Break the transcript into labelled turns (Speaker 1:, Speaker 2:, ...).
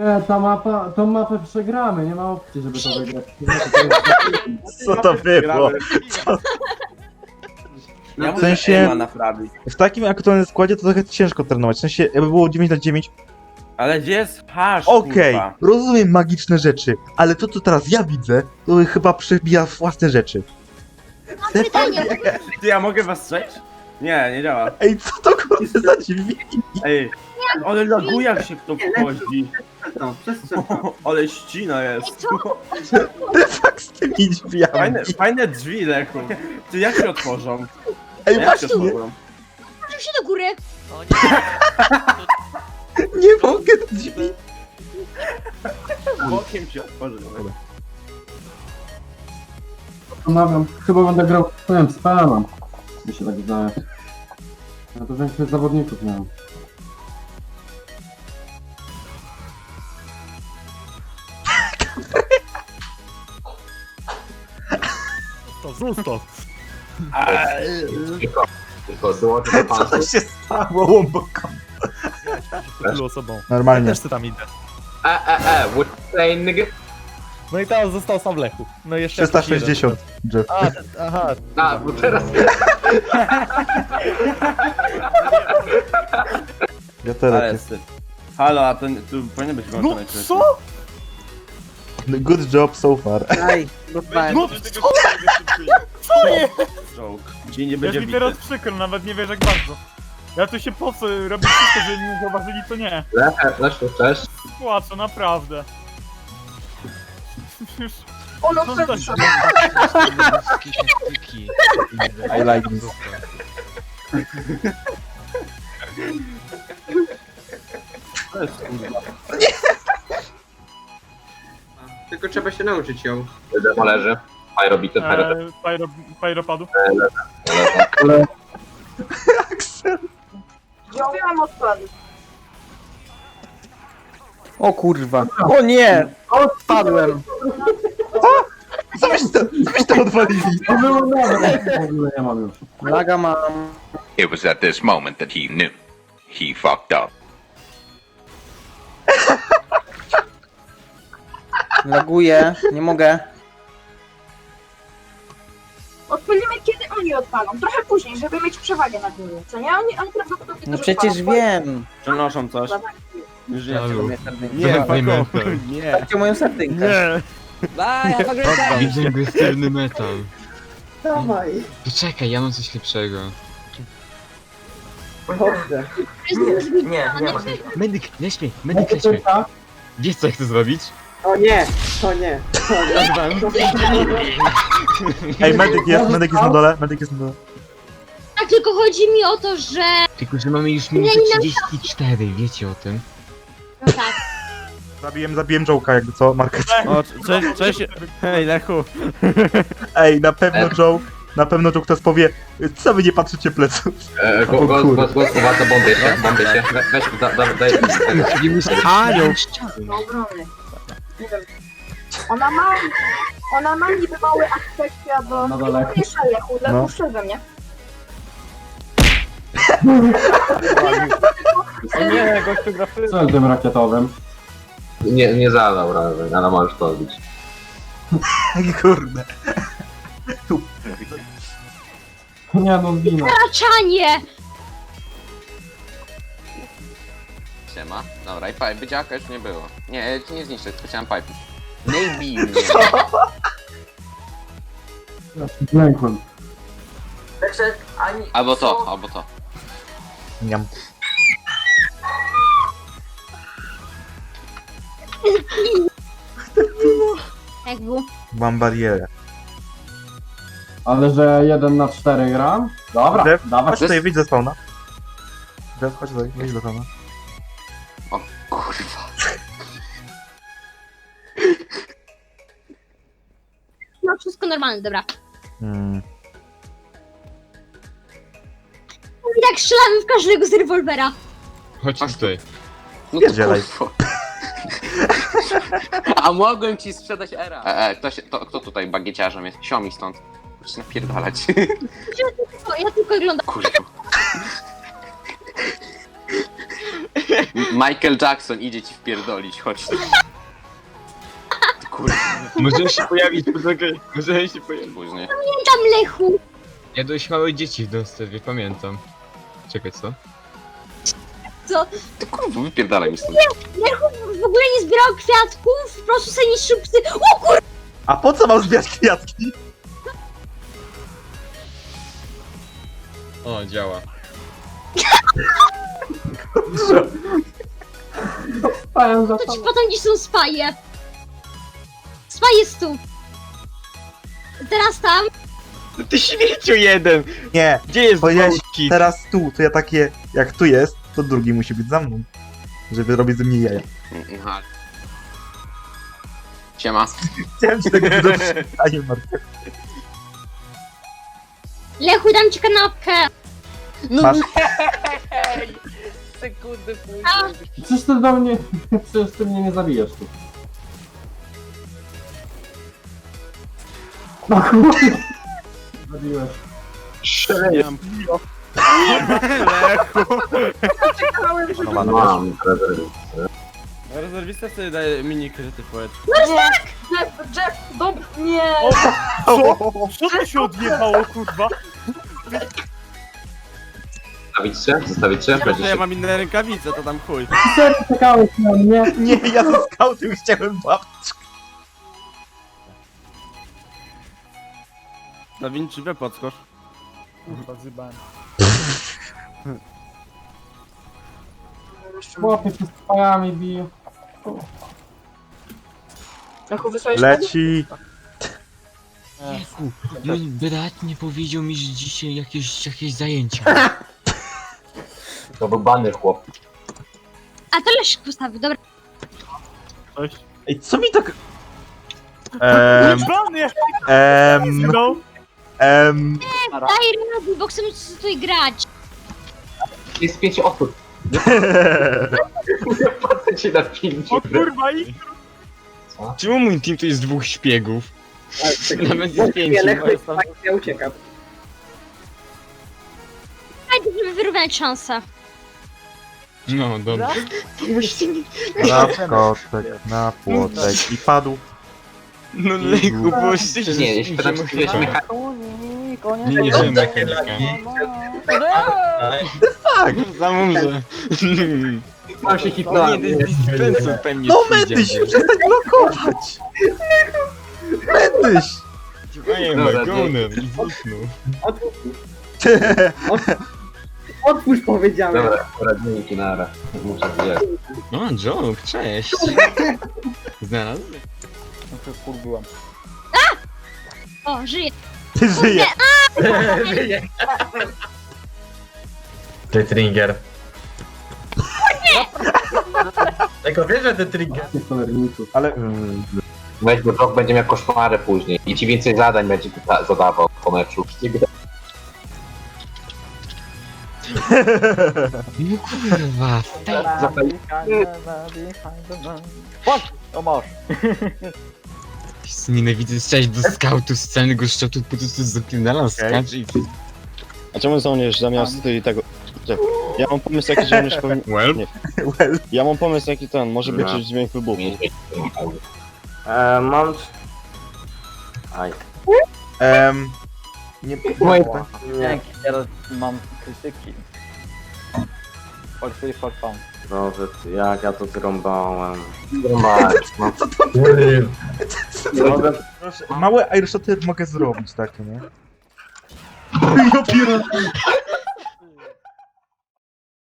Speaker 1: Tą mapę przegramy, nie ma opcji, żeby to wygrać.
Speaker 2: Co to było?
Speaker 3: Ja
Speaker 2: W
Speaker 3: muszę
Speaker 2: sensie-
Speaker 3: aima naprawić.
Speaker 2: W takim aktualnym składzie to trochę ciężko trenować. W sensie, jakby było 9 na 9.
Speaker 3: Ale gdzie jest hasz,
Speaker 2: Okej,
Speaker 3: kurwa?
Speaker 2: rozumiem magiczne rzeczy, ale to co teraz ja widzę, to chyba przebija własne rzeczy.
Speaker 4: Mam pytanie.
Speaker 3: Ty, ja mogę was strzeć? Nie, nie działa.
Speaker 2: Ej, co to kurde za dźwięk?
Speaker 3: Ej, ale laguje jak się kto wchodzi.
Speaker 5: Przestrzeń.
Speaker 3: Ale ścina jest.
Speaker 2: Tak z tymi drzwiami.
Speaker 3: Fajne drzwi, Lechu. Ty, jak się otworzą?
Speaker 2: Ej,
Speaker 3: Jak się
Speaker 2: właśnie,
Speaker 3: otworzą?
Speaker 4: Proszę się do góry.
Speaker 6: O nie.
Speaker 2: nie mogę te drzwi.
Speaker 3: Bokiem się otworzy.
Speaker 1: Zastanawiam, chyba będę grał, nie wiem, z PL-em. Mi się tak wydaje. Ja to większość zawodników miałem.
Speaker 7: Zostaw.
Speaker 5: Tylko dołączę do
Speaker 2: Co to się stało, łąboko?
Speaker 7: Tylu osobą.
Speaker 2: Normalnie.
Speaker 7: Też ty tam idę.
Speaker 5: what you saying, nigga?
Speaker 7: No i teraz został sam Lechu. No i jeszcze
Speaker 2: 360, Jeff.
Speaker 7: A, aha.
Speaker 5: A, bo teraz...
Speaker 2: Ja teraz
Speaker 3: Ale
Speaker 2: jest.
Speaker 3: syf. Halo, a to tu powinien być
Speaker 7: No
Speaker 3: włączony.
Speaker 7: co?
Speaker 2: Good job so far.
Speaker 8: Aj, dostałem.
Speaker 7: No co jest?
Speaker 3: Joke. Dzień nie
Speaker 7: Jest
Speaker 3: będzie
Speaker 7: mi
Speaker 3: bity.
Speaker 7: teraz przykro, nawet nie wiesz jak bardzo. Ja tu się po co robię wszystko, żeby mnie zauważyli, to nie.
Speaker 5: Leszku, cześć.
Speaker 7: Płaczę, naprawdę. Już...
Speaker 8: Ono
Speaker 7: No,
Speaker 8: co
Speaker 7: to-
Speaker 2: I like this.
Speaker 3: To jest kurwa.
Speaker 5: Tylko trzeba się nauczyć ją. Demo leży. Pyrobity,
Speaker 7: Pyropadu.
Speaker 8: Zrobiłam odpady. O kurwa. O nie! Odpadłem.
Speaker 2: Co to odwalili?
Speaker 1: To było dobre, w ogóle nie mam już.
Speaker 8: Laga mam.
Speaker 9: It was at this moment that he knew. He fucked up.
Speaker 8: Laguję. Nie mogę.
Speaker 10: Odpalimy kiedy oni odpalą, trochę później, żeby mieć przewagę nad nimi, co nie? Oni prawdopodobnie
Speaker 8: No
Speaker 10: też
Speaker 8: przecież
Speaker 10: odpalą.
Speaker 8: wiem.
Speaker 3: Przenoszą coś. Już nie
Speaker 7: Halo.
Speaker 3: Nie, fuck off. Nie.
Speaker 8: Dajcie moją sardynkę.
Speaker 7: Nie!
Speaker 11: Widzę agresywny metal.
Speaker 8: Dawaj.
Speaker 11: Poczekaj, ja mam coś lepszego.
Speaker 8: Dobrze.
Speaker 10: Nie, nie ma.
Speaker 11: Medyk, leź mnie, medyk, leź mnie. Wiesz co ja chcę zrobić?
Speaker 8: O nie! O nie!
Speaker 2: Ej, medyk jest na dole, medyk jest na dole.
Speaker 4: Tak, tylko chodzi mi o to, że...
Speaker 11: Tylko, że mamy już minutę 34, wiecie o tym?
Speaker 4: No tak.
Speaker 2: Zabiłem Joe'ka, jakby co, market.
Speaker 3: O, cześć. Hej, Lechu.
Speaker 2: Ej, na pewno Joe ktoś powie, co wy nie patrzycie pleców.
Speaker 5: Głos, uwaga, bombię się. Weź, daj.
Speaker 11: Anioł!
Speaker 10: Do obrony. Nie wiem. Ona ma niby mały aspekcja do...
Speaker 1: Na dole.
Speaker 10: Jeszcze Lechu,
Speaker 2: No.
Speaker 10: Lechu szczerze mnie.
Speaker 7: Nie, gościu gra w
Speaker 1: Co jest tym rakietowym?
Speaker 5: Nie zadał razy, ale możesz to robić.
Speaker 2: Kurde.
Speaker 1: Nie no, zginę.
Speaker 4: Raczanie!
Speaker 9: Siema. Dobra, i pipe dziaka już nie było. Nie, nie zniszczę, tylko chciałem pipe. Nie bij mnie.
Speaker 1: Zlękłem.
Speaker 9: Albo to.
Speaker 2: Niam.
Speaker 4: Jak było?
Speaker 2: Mam barierę.
Speaker 1: Ale że 1 na 4 gram? Dobra,
Speaker 2: Jeff,
Speaker 1: dawaj.
Speaker 2: chodź tutaj, wyjdź ze spawna. Jeff, chodź tutaj, wyjdź ze spawna.
Speaker 9: Kurwa.
Speaker 4: No wszystko normalne, dobra. I tak strzelamy w każdego z rewolwera.
Speaker 11: Chodź tutaj.
Speaker 9: No
Speaker 2: Pierdzielaj.
Speaker 9: kurwa. A mogłem ci sprzedać era. Kto tutaj bagieciarzem jest? Siomi stąd. Muszę napierdalać.
Speaker 4: Ja tylko oglądam.
Speaker 9: Kurwa. Michael Jackson idzie ci wpierdolić, chodź tu. Ty kurwa,
Speaker 11: Możemy się pojawić, poczekaj. Możemy się pojawić.
Speaker 9: później.
Speaker 4: Tam Lechu.
Speaker 11: Ja dość małe dzieci w dostawie, pamiętam. Czekaj, co?
Speaker 9: Ty kurwa, wypierdalaj mi stąd.
Speaker 4: Lechu w ogóle nie zbierał kwiatków, po prostu sobie niszczył psy. O kur...
Speaker 2: A po co mam zbierać kwiatki?
Speaker 11: O, działa.
Speaker 1: Spałem za
Speaker 4: To ci potem gdzie są spaje. Spaje jest tu. Teraz tam.
Speaker 11: Ty śmieciu jeden!
Speaker 2: Nie,
Speaker 11: Gdzie jest
Speaker 2: powiedziałeś
Speaker 11: kit?
Speaker 2: teraz tu, to ja takie, jak tu jest, to drugi musi być za mną. Żeby robić ze mnie jaja.
Speaker 9: Aha. Siema.
Speaker 2: Chciałem ci tego pytanie, Marta.
Speaker 4: Lechu, dam ci kanapkę.
Speaker 2: Masz.
Speaker 8: Sekundy później.
Speaker 1: Przecież ty do mnie... Przecież ty mnie nie zabijesz tu. No kurde. Zabiłeś.
Speaker 10: Czekałem, żeby...
Speaker 5: Mam.
Speaker 3: Rezerwista sobie daje mini kryty poet.
Speaker 10: Jeff, dobra, nie.
Speaker 7: Co to się odjebało, kurwa?
Speaker 5: Zostawić się?
Speaker 3: Ja mam inne rękawice, to tam chuj.
Speaker 1: Serio czekałeś na mnie?
Speaker 2: Nie, ja ze skautem chciałem babcię.
Speaker 3: Da Vinci, we podskocz.
Speaker 7: Kurwa, zjebałem.
Speaker 1: Chłopie się z pajami bije.
Speaker 10: Lechu, wysłałeś
Speaker 2: Leci.
Speaker 11: Mój brat nie powiedział mi, że dzisiaj jakieś zajęcia.
Speaker 5: To był bany chłop.
Speaker 4: A to Leszek postawił, dobra.
Speaker 7: Cześć.
Speaker 2: Ej, co mi tak...
Speaker 7: Bany! No!
Speaker 4: Daj radę, bo chcemy tutaj grać.
Speaker 5: Jest 5 osób. Nie patrzę ci na film.
Speaker 7: O kurwa, i...
Speaker 11: Czemu mój team to jest 2 szpiegów? Nawet jest 5.
Speaker 8: Ja uciekam.
Speaker 4: Dajcie, żeby wyrównać szanse.
Speaker 11: No, dobra.
Speaker 2: Na kotek, na płotek i padł.
Speaker 11: No Lechu, bo
Speaker 5: Nie, jeśli pytam, czy wiesz mechanikę.
Speaker 11: Nie, że mechanika.
Speaker 2: Tak!
Speaker 11: Za mąże.
Speaker 5: Mam się
Speaker 11: Nie,
Speaker 5: hitnąłem.
Speaker 11: to jest dispenser pewnie.
Speaker 2: No Medyś, przestań blokować! Medyś!
Speaker 11: Ej,
Speaker 5: Dobra,
Speaker 11: Magoner, i zniknął.
Speaker 8: Otwórz, powiedziałem.
Speaker 5: Dobra, poradniki nara. Muszę zjeść.
Speaker 11: O, joke, cześć. Znalazłem.
Speaker 4: O, żyje.
Speaker 2: Ty żyje.
Speaker 11: Ty trigger.
Speaker 5: Tylko wiesz, że ten trigger.
Speaker 1: Jakie cholerników.
Speaker 2: Ale...
Speaker 5: Weź, bo Brock będzie miał koszmary później. I ci więcej zadań będzie zadawał po meczu.
Speaker 11: No kurwa,
Speaker 7: O masz.
Speaker 11: nienawidzę strzelać do skautu z całego szczotu, po prostu zapierdalam skacz i...
Speaker 6: A czemu żołnierz zamiast tego... Ja mam pomysł jaki żołnierz powinien...
Speaker 11: Well?
Speaker 2: Well.
Speaker 6: Ja mam pomysł jaki ten, może być dźwięk wybuchu.
Speaker 5: Mam...
Speaker 2: Nie...
Speaker 5: Nie.
Speaker 7: Teraz mam krytyki. For fun.
Speaker 5: Boże, jak ja to zrąbałem.
Speaker 2: Proszę, małe airshoty mogę zrobić takie, nie? Ja pierdolę.